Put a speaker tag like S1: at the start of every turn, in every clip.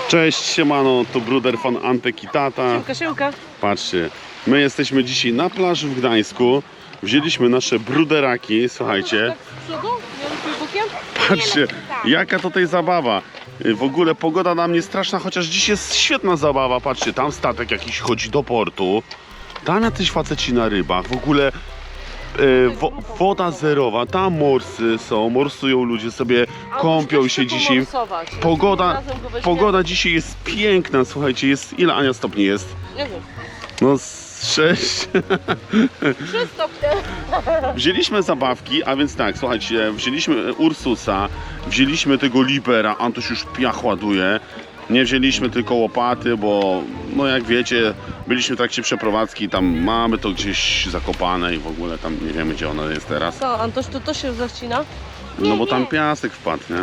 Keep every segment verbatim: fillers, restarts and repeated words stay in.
S1: Cześć, siemano, to Bruder von Antek i tata.
S2: Siemka, siemka.
S1: Patrzcie, my jesteśmy dzisiaj na plaży w Gdańsku. Wzięliśmy nasze bruderaki, słuchajcie.
S2: Tak z przodu? Nie rób bokiem?
S1: Patrzcie, jaka tutaj zabawa. W ogóle pogoda na mnie straszna, chociaż dziś jest świetna zabawa. Patrzcie, tam statek jakiś chodzi do portu. Tam jacyś faceci na rybach. W ogóle e, wo, woda zerowa. Tam morsy są, morsują ludzie sobie, kąpią się dzisiaj. Pogoda, pogoda dzisiaj jest piękna, słuchajcie, jest ile, Ania, stopni jest?
S2: Nie wiem.
S1: No z sześć.
S2: trzy stopnie.
S1: Wzięliśmy zabawki, a więc tak, słuchajcie, wzięliśmy Ursusa, wzięliśmy tego Libera, Antoś już piach ładuje. Nie wzięliśmy tylko łopaty, bo no jak wiecie, byliśmy w trakcie przeprowadzki, tam mamy to gdzieś zakopane i w ogóle tam nie wiemy, gdzie ono jest teraz.
S2: Co, Antoś, to to się zacina?
S1: No bo tam piasek wpadł, nie?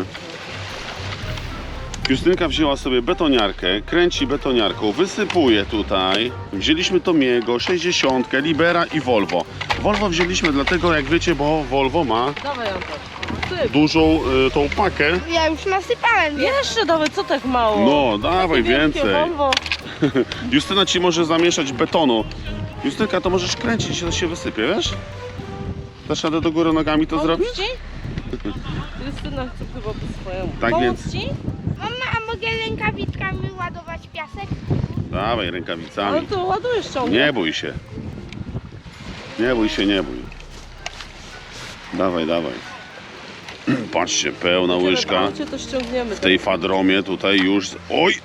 S1: Justynka wzięła sobie betoniarkę, kręci betoniarką, wysypuje tutaj. Wzięliśmy Tomiego, sześćdziesiątkę, Libera i Volvo. Volvo wzięliśmy dlatego, jak wiecie, bo Volvo ma
S2: Dawaj, Antoś. Syp.
S1: dużą y, tą pakę.
S3: Ja już nasypałem, wiesz?
S2: Jeszcze dawaj, co tak mało?
S1: No, dawaj
S2: Takie wielkie
S1: więcej.
S2: Volvo.
S1: Justyna ci może zamieszać betonu. Justynka, to możesz kręcić, to się wysypie, wiesz? Dasz radę do góry nogami to
S2: Pomóc
S1: zrobić?
S2: ci? Justyna chce chyba po swojemu.
S1: Tak
S2: Pomóc
S1: więc-
S2: ci?
S3: Mama, a mogę rękawiczkami ładować piasek?
S1: Dawaj
S2: Ale
S1: rękawicami.
S2: to ładujesz ciągle.
S1: Nie bój się. Nie bój się, nie bój. Dawaj, dawaj. Patrzcie, pełna
S2: Będziemy
S1: łyżka.
S2: tam, cię to ściągniemy.
S1: W tej fadromie tutaj już... Oj!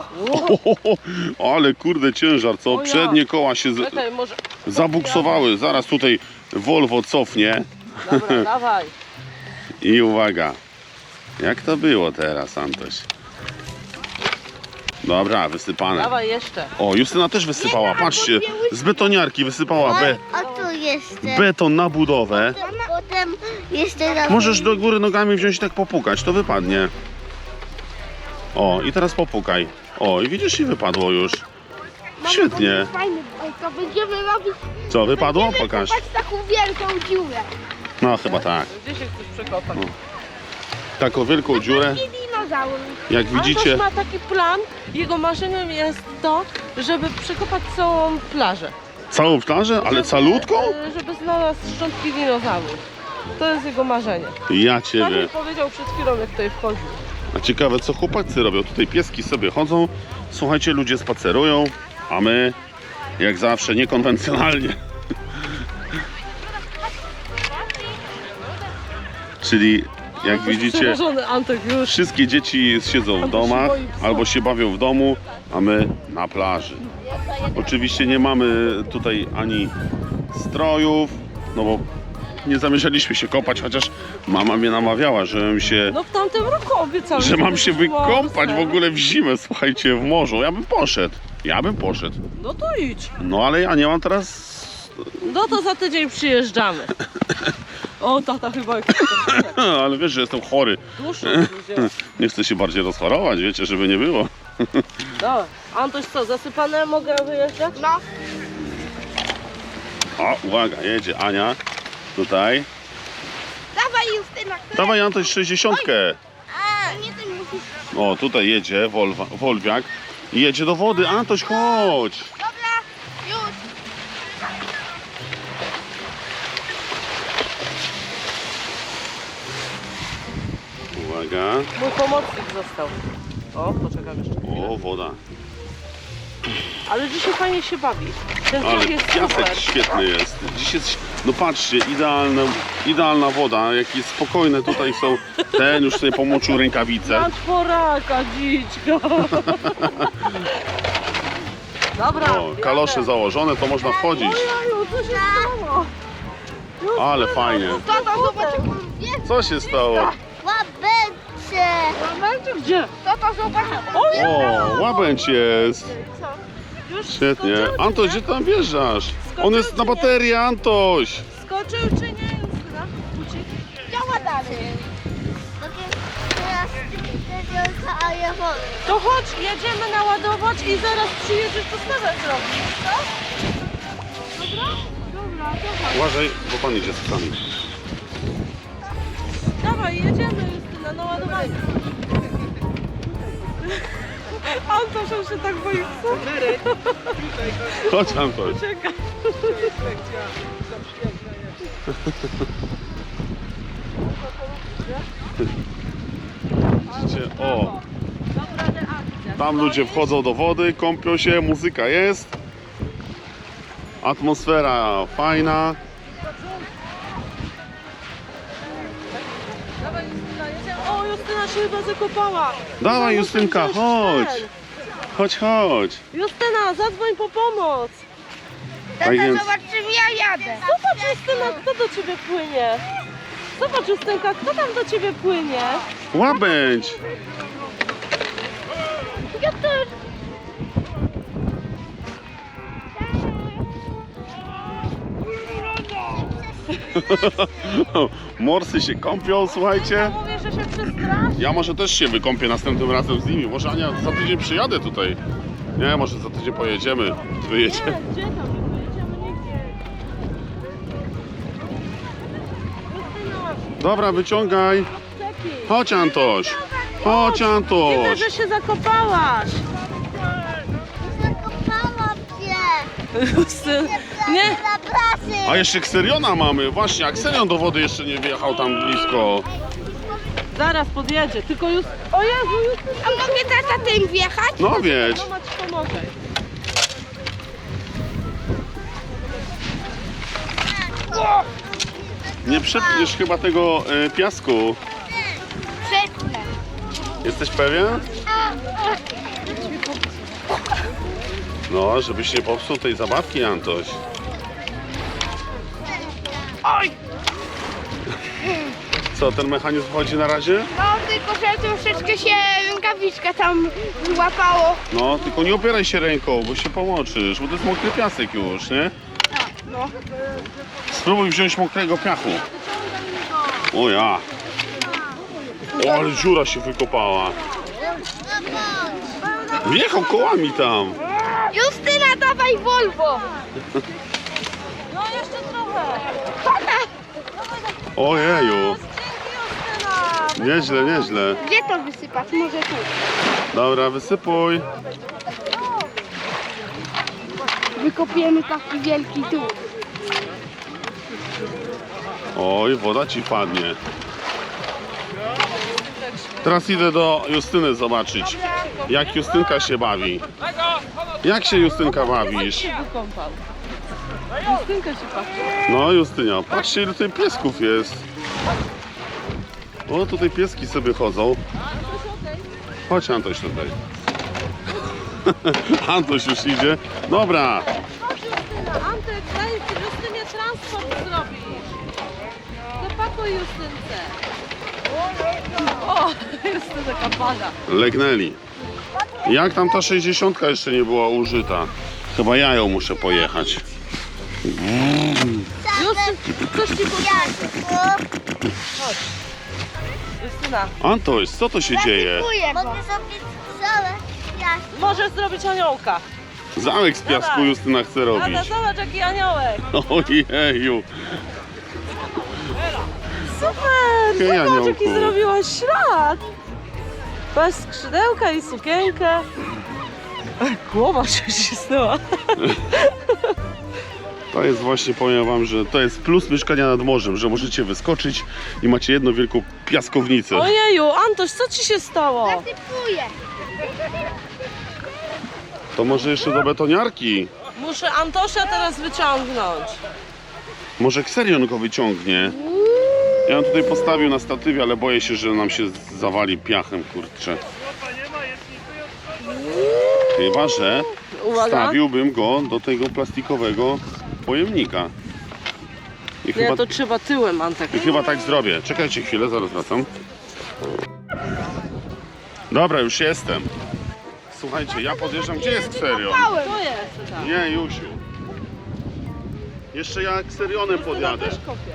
S1: Ale kurde ciężar, co?
S2: O ja.
S1: Przednie koła się z...
S2: Czekaj, może...
S1: zabuksowały. Zaraz tutaj Volvo cofnie.
S2: Dobra, dawaj.
S1: I uwaga. Jak to było teraz, Antoś? Dobra, wysypane.
S2: Dawaj jeszcze.
S1: O, Justyna też wysypała. Patrzcie, z betoniarki wysypała be...
S3: A tu jeszcze.
S1: beton na budowę.
S3: Potem jeszcze raz.
S1: Możesz do góry nogami wziąć i tak popukać, to wypadnie. O, i teraz popukaj. O, i widzisz, i wypadło już. Świetnie.
S3: Fajny, to będziemy robić.
S1: Co, wypadło?
S3: Będziemy
S1: Pokaż.
S3: kopać taką wielką dziurę.
S1: No, chyba tak.
S2: Gdzie się chcesz przekopać?
S1: Taką wielką dziurę,
S3: I dinozaur.
S1: jak widzicie.
S2: Antoś ma taki plan, jego marzeniem jest to, żeby przekopać całą plażę.
S1: Całą plażę? Ale calutką?
S2: E, Żeby znalazł szczątki dinozaurów. To jest jego marzenie.
S1: Ja
S2: Tak mi
S1: ciebie.
S2: powiedział przed chwilą, jak tutaj wchodził.
S1: A ciekawe, co chłopacy robią. Tutaj pieski sobie chodzą. Słuchajcie, ludzie spacerują, a my, jak zawsze, niekonwencjonalnie. Czyli, jak widzicie,
S2: Przerażony Antek już.
S1: wszystkie dzieci siedzą w
S2: Albo się
S1: domach,
S2: boi psa.
S1: albo się bawią w domu, a my na plaży. Oczywiście nie mamy tutaj ani strojów, no bo nie zamierzaliśmy się kopać, chociaż mama mnie namawiała, żebym się,
S2: No w tamtym roku obiecał,
S1: że mam się
S2: będzie
S1: wykąpać w
S2: morze.
S1: ogóle w zimę, słuchajcie, w morzu. Ja bym poszedł, ja bym poszedł.
S2: No to idź.
S1: No ale ja nie mam teraz...
S2: No to za tydzień przyjeżdżamy. O, tata chyba
S1: Ale wiesz, że jestem chory.
S2: dłuższy wzięła.
S1: Nie chcę się bardziej rozchorować, wiecie, żeby nie było.
S2: Dobra. Antoś, co, zasypane? Mogę wyjeżdżać?
S3: No.
S1: O, uwaga, jedzie Ania. Tutaj.
S3: Dawaj Justyna. Która...
S1: Dawaj, Antoś, sześćdziesiątkę.
S3: A, nie ty musisz.
S1: O, tutaj jedzie Wolwa, Wolwiak. I jedzie do wody. Antoś, chodź.
S3: Dobra, już.
S1: Uwaga.
S2: Mój pomocnik został. O, poczekam jeszcze chwilę.
S1: O, woda.
S2: Ale dzisiaj fajnie się bawi. Ten
S1: Ale
S2: brzeg jest
S1: piasek
S2: super.
S1: świetny jest. Dziś jest, no patrzcie, idealna, idealna woda. Jakie spokojne tutaj są. Ten już sobie pomoczył rękawice.
S2: Na czworaka, dzićko. Dobra.
S1: O, kalosze założone, to można wchodzić.
S2: Ojeju, co się stało?
S1: Ale fajnie.
S3: Tata, zobacz jak on jest.
S1: Co się stało?
S3: Łabędzie.
S2: Będzie gdzie?
S3: Tata, zobacz jak on
S2: O,
S1: O, łabędź jest.
S2: Już
S1: Świetnie.
S2: skoczył, czy
S1: Antoś,
S2: nie?
S1: gdzie tam wjeżdżasz? On jest
S2: czy
S1: na
S2: nie?
S1: baterii, Antoś.
S2: Skoczył czy nie? Justyna? Uciekł.
S3: działa dalej. Teraz wielka iPhone.
S2: To chodź, jedziemy naładować i zaraz przyjedziesz to stawę zrobić, co? Dobra? Dobra, dawaj.
S1: Uważaj, bo pan idzie z psami.
S2: Dawaj, jedziemy Justyna, naładowanie. Antoś, on się tak boi psów.
S1: Chodź Antoś.
S2: Czekaj.
S1: Widzicie? O, tam ludzie wchodzą do wody, kąpią się, muzyka jest. Atmosfera fajna.
S2: Dawaj Justyna, jedziemy. O, Justyna się chyba zakopała.
S1: Dawaj Justynka, chodź. Chodź, chodź.
S2: Justyna, zadzwoń po pomoc.
S1: Tak
S3: Tata,
S1: więc-
S3: zobacz czym ja jadę.
S2: Zobacz Justyna, kto do ciebie płynie. Zobacz Justynka, kto tam do ciebie płynie.
S1: Łabędź.
S3: Ja też.
S1: Morsy się kąpią, słuchajcie.
S2: Mówię, że się przestraszy.
S1: Ja może też się wykąpię następnym razem z nimi. Może Ania, za tydzień przyjadę tutaj. Nie, może za tydzień pojedziemy. Wyjedziemy.
S2: Nie, gdzie tam? Nie pojedziemy nigdzie. Justyna,
S1: Dobra, wyciągaj.
S2: czeki.
S1: Chodź Antoś. Chodź
S2: Widzę,
S1: Antoś.
S2: że się zakopałaś.
S3: Zakopałam cię.
S2: Justyn, nie.
S3: Zapraszam.
S1: A jeszcze Kseriona mamy. Właśnie, a Kserion do wody jeszcze nie wjechał tam blisko.
S2: Zaraz podjedzie, tylko już... O Jezu, Justyn,
S3: A mogę tata tym wjechać?
S1: No wiedź.
S2: mama ci pomoże.
S1: Nie przepniesz chyba tego e, piasku.
S3: Przetnę.
S1: Jesteś pewien? No, żebyś nie popsuł tej zabawki, Antoś.
S3: Oj!
S1: Co, ten mechanizm wchodzi na razie?
S3: No tylko, że troszeczkę się rękawiczka tam złapało.
S1: No, tylko nie opieraj się ręką, bo się pomoczysz, bo to jest mokry piasek już, nie?
S3: No.
S1: Spróbuj wziąć mokrego piachu. O ja. O, ale dziura się wykopała. Wjechał kołami tam.
S3: Justyna, dawaj Volvo!
S2: No jeszcze trochę.
S1: Ojeju.
S2: Dzięki Justyna.
S1: Nieźle, nieźle.
S3: Gdzie to wysypać? Może tu.
S1: Dobra, wysypuj.
S3: Wykopiemy taki wielki tu.
S1: Oj, woda ci padnie. Teraz idę do Justyny zobaczyć, jak Justynka się bawi. Jak się Justynka bawisz?
S2: się wykąpał. Justynka się patrzy.
S1: No Justynia, patrzcie ile tutaj piesków jest. O, tutaj pieski sobie chodzą. Chodź Antoś tutaj. Antoś już idzie. Dobra,
S2: Chodź Justyna, Antek, daj Justynie transport zrobisz. Zapakuj Justynce. O, Justyna kapada.
S1: legnęli. Jak tam ta sześćdziesiątka jeszcze nie była użyta? Chyba ja ją muszę pojechać.
S2: Justyn, coś ci pokażę. Chodź. Justyna,
S1: Antoś, co to się dzieje?
S3: Mogę sobie całe jasne.
S2: możesz zrobić aniołka.
S1: Zamek z piasku Justyna chce robić.
S2: Ada, zobacz jaki aniołek.
S1: Ojeju.
S2: Super,
S1: Hej,
S2: zobacz
S1: aniołku.
S2: jaki zrobiłaś ślad. Bez skrzydełka i sukienkę. Ej, głowa się ścisnęła.
S1: To jest właśnie, powiem wam, że to jest plus mieszkania nad morzem, że możecie wyskoczyć i macie jedną wielką piaskownicę.
S2: Ojeju, Antoś, co ci się stało?
S3: Zasypuję.
S1: To może jeszcze do betoniarki?
S2: Muszę Antosia teraz wyciągnąć.
S1: Może Kserion go wyciągnie? Ja ją tutaj postawił na statywie, ale boję się, że nam się zawali piachem, kurczę. Chyba że
S2: Uwaga.
S1: wstawiłbym go do tego plastikowego pojemnika. I
S2: Nie,
S1: chyba,
S2: to trzeba tyłem, Antek.
S1: I chyba tak zrobię. Czekajcie chwilę, zaraz wracam. Dobra, już jestem. Słuchajcie, ja podjeżdżam. Gdzie jest Kserion?
S2: To jest, tak.
S1: Nie, Jusiu. Jeszcze ja Kserionem podjadę.
S2: Też kopię.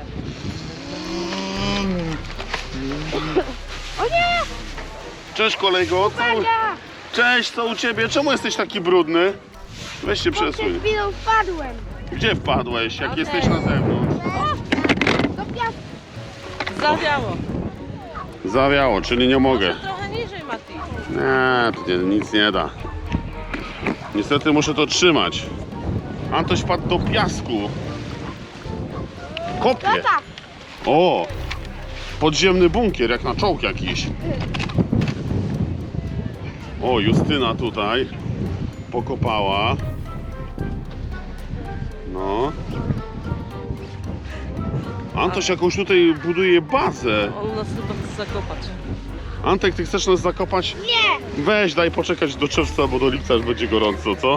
S3: O nie!
S1: Cześć kolego, co u...
S3: Ja!
S1: Cześć, co u ciebie? Czemu jesteś taki brudny? Weź się
S3: Bo przed
S1: przesuń.
S3: chwilą wpadłem.
S1: Gdzie wpadłeś, jak
S2: Okej.
S1: jesteś na zewnątrz?
S3: Do piasku.
S2: Zawiało.
S1: Zawiało, czyli nie mogę.
S2: Może trochę niżej, Mati.
S1: Nie, to nie, nic nie da. Niestety muszę to trzymać. Antoś wpadł do piasku. Kopie.
S3: Tata,
S1: O! Podziemny bunkier, jak na czołg jakiś. O, Justyna tutaj pokopała. No. Antoś jakąś tutaj buduje bazę.
S2: On nas chyba chce zakopać.
S1: Antek, ty chcesz nas zakopać?
S3: nie!
S1: Weź, daj poczekać do czerwca, bo do lipca już będzie gorąco, co?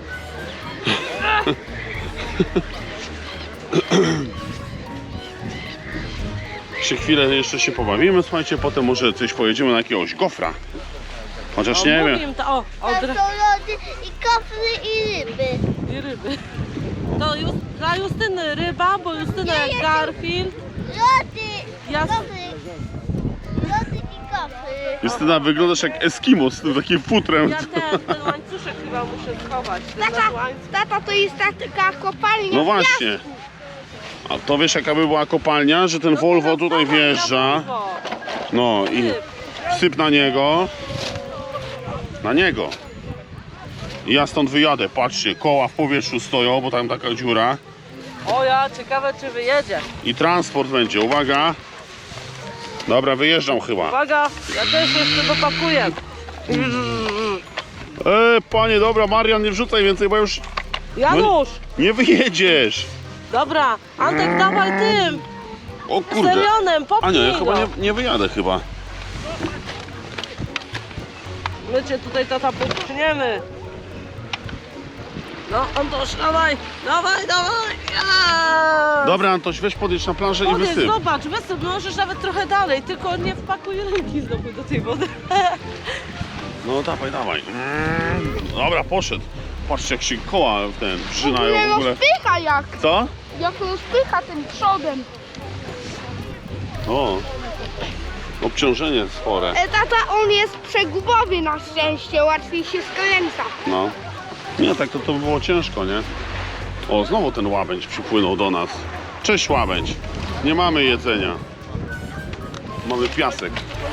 S1: Się chwilę jeszcze się pobawimy, słuchajcie, potem może coś pojedziemy na jakiegoś gofra. Chociaż nie wiem.
S2: Mówię to, o,
S3: Tam
S2: od
S3: są lody i kofry i ryby.
S2: i ryby. To just, dla Justyny ryba, bo Justyna
S3: Nie,
S2: jak
S3: ja-
S2: Garfield.
S3: Lody,
S2: Ja-
S3: kofry. Lody i kofry.
S1: Justyna, wyglądasz jak Eskimo z tym takim futrem.
S2: Ja ten, ten łańcuszek chyba muszę schować. Ten nasz
S3: Tata,
S2: łańcuch.
S3: tata, to jest taka kopalnia.
S1: No
S3: w
S1: właśnie.
S3: piasku.
S1: A to wiesz, jaka by była kopalnia, że ten Volvo tutaj wjeżdża. No i syp na niego. Na niego. I ja stąd wyjadę. Patrzcie, koła w powietrzu stoją, bo tam taka dziura.
S2: O ja, ciekawe czy wyjedzie.
S1: I transport będzie. Uwaga. Dobra, wyjeżdżam chyba.
S2: Uwaga, ja też jeszcze dopakuję.
S1: E, panie, dobra, Marian, nie wrzucaj więcej, bo już
S2: Janusz!
S1: nie wyjedziesz.
S2: Dobra, Antek dawaj tym!
S1: O kurde.
S2: Serionem,
S1: A
S2: popnij
S1: nie, ja
S2: go.
S1: chyba nie, nie wyjadę chyba.
S2: My cię tutaj tata popchniemy. No Antoś, dawaj, dawaj, dawaj! Ja!
S1: Dobra, Antoś, weź podjedź na planszę i
S2: Podejdź,
S1: wysyp.
S2: zobacz, wysyp, możesz nawet trochę dalej, tylko nie wpakuj ręki znowu do tej wody.
S1: No dawaj, dawaj. Mm, Dobra, poszedł. Patrzcie, jak się koła w ten wrzynają w
S3: No
S1: ogóle.
S3: spycha jak,
S1: Co?
S3: jak on spycha tym przodem.
S1: O, obciążenie spore.
S3: E, tata, on jest przegubowy na szczęście, łatwiej się skręca.
S1: No. Nie, tak to, to by było ciężko, nie? O, znowu ten łabędź przypłynął do nas. Cześć, łabędź. Nie mamy jedzenia. Mamy piasek.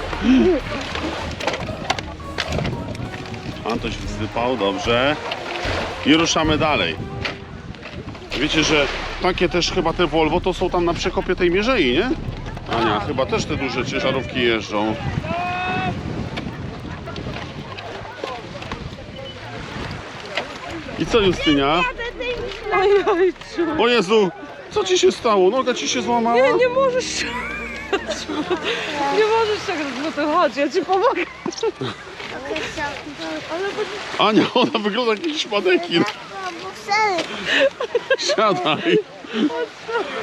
S1: Antoś wysypał, dobrze. I ruszamy dalej. Wiecie, że takie też chyba te Volvo to są tam na przekopie tej Mierzei, nie? Ania, chyba też te duże ciężarówki jeżdżą. I co, Justynia?
S2: Oj, ojcu.
S1: O Jezu, co ci się stało? Noga ci się złamała?
S2: Nie, nie możesz się... Nie możesz tak bo to chodź, ja ci pomogę.
S1: Ania, ona wygląda jak jakiś manekin. Siadaj.